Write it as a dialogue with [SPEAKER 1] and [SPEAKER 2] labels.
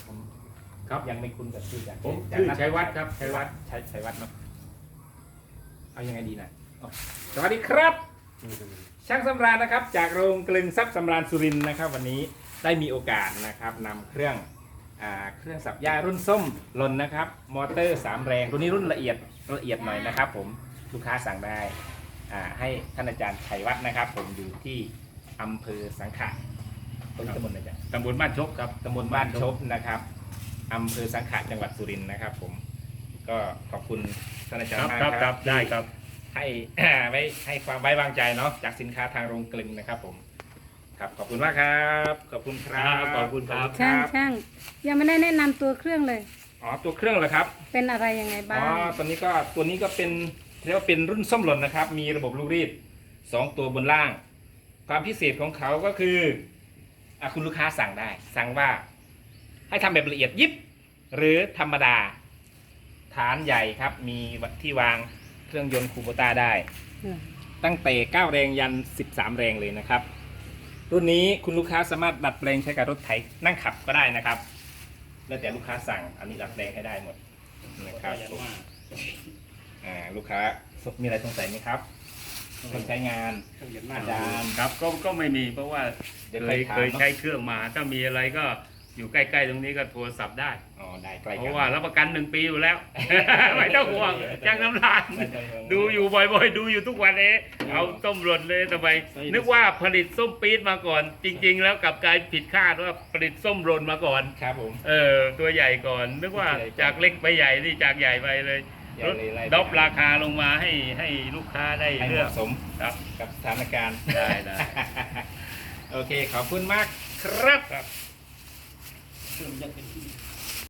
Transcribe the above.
[SPEAKER 1] ผม
[SPEAKER 2] ครับ
[SPEAKER 1] ยังไม่คุ้นกับชื่อจาก
[SPEAKER 2] ผมชื่อชัยวัฒน์ครับชัยวัฒน์
[SPEAKER 1] ชัยวัฒน์เนาะเอายังไงดีนะอ๋อสวัสดีครับ ช่างสำราญนะครับจากโรงกลึงทรัพย์สำราญสุรินทร์นะครับ วันนี้ได้มีโอกาสนะครับนำเครื่องสับหญ้ารุ่นส้มลนนะครับ มอเตอร์ 3 แรงตัวนี้รุ่นละเอียดหน่อยนะครับ ผมลูกค้าสั่งได้ให้ท่านอาจารย์ชัยวัฒน์นะครับ ผมอยู่ที่อำเภอสังขะตำบลอะไรจ๊ะ
[SPEAKER 2] ตำบลบ้านชกครับ
[SPEAKER 1] ตำบลบ้านชบนะครับอำเภอสังขะจังหวัดสุรินทร์นะครับ ผมก็ขอบคุณท่านอาจารย์มาก
[SPEAKER 2] ครับ
[SPEAKER 1] ครับ
[SPEAKER 2] ได้ครับ
[SPEAKER 1] ให้ ไว้ให้ความไว้วางใจเนาะจากสินค้าทางโรงกลึงนะครับผมครับขอบคุณมากครับขอบคุณครับ
[SPEAKER 2] ขอบคุณครับ
[SPEAKER 3] ช่างยังไม่ได้แนะนำตัวเครื่องเลย
[SPEAKER 1] อ๋อตัวเครื่องเหรอครับ
[SPEAKER 3] เป็นอะไรยังไงบ้า
[SPEAKER 1] อ๋องตัวนี้ก็เป็นเรียกว่าเป็นรุ่นส้มหล่นนะครับ มีระบบลูกรีด2 ตัวบนล่าง ความพิเศษของเขาก็คือคุณลูกค้าสั่งได้ สั่งว่าให้ทำแบบละเอียดยิบหรือธรรมดา ฐานใหญ่ครับ มีที่วางเครื่องยนต์คูโบต้าได้ ตั้งแต่9 แรงยัน 13 แรงเลยนะครับ รุ่นนี้คุณลูกค้าสามารถดัดแปลงใช้กับรถไถนั่งขับก็ได้นะครับ แล้วแต่ลูกค้าสั่งอันนี้ดัดแปลงให้ได้หมดนะครับลูกค้ามีอะไรสงสัยไหมครับคนใช้งานอาจารย์
[SPEAKER 2] ครับก็ไม่มีเพราะว่า
[SPEAKER 1] เดี๋ยว
[SPEAKER 2] เคย
[SPEAKER 1] ถาม
[SPEAKER 2] เคยใช้เครื่องมา ถ้ามีอะไรก็อยู่ใกล้ๆตรงนี้ก็โทรศัพท์ได้
[SPEAKER 1] อ๋อได้ใกล้
[SPEAKER 2] เพ
[SPEAKER 1] กัน
[SPEAKER 2] ราะว่ารับประกัน1 ปีอยู่แล้ว ไม่ต้องห่วงจ้างน้ำลานดูอยู่บ่อยๆ ดูอยู่ทุกวันเอาต้มหล่นเลยทำไมนึกว่าผลิตส้มปี๊ดมาก่อน จริง ๆ แล้วกลับกลายผิดคาดว่าผลิตส้มหล่นมาก่อน
[SPEAKER 1] ครับผม
[SPEAKER 2] ตัวใหญ่ก่อน นึกว่าจากเล็กไปใหญ่นี่จากใหญ่ไปเลยลดดรอปราคาลงมาให้ลูกค้าได้
[SPEAKER 1] ให้เห
[SPEAKER 2] เลือก
[SPEAKER 1] มาะสม
[SPEAKER 2] ครับ
[SPEAKER 1] กับสถานการณ์
[SPEAKER 2] ได้
[SPEAKER 1] โอเคขอบคุณมากครับ
[SPEAKER 2] ครับ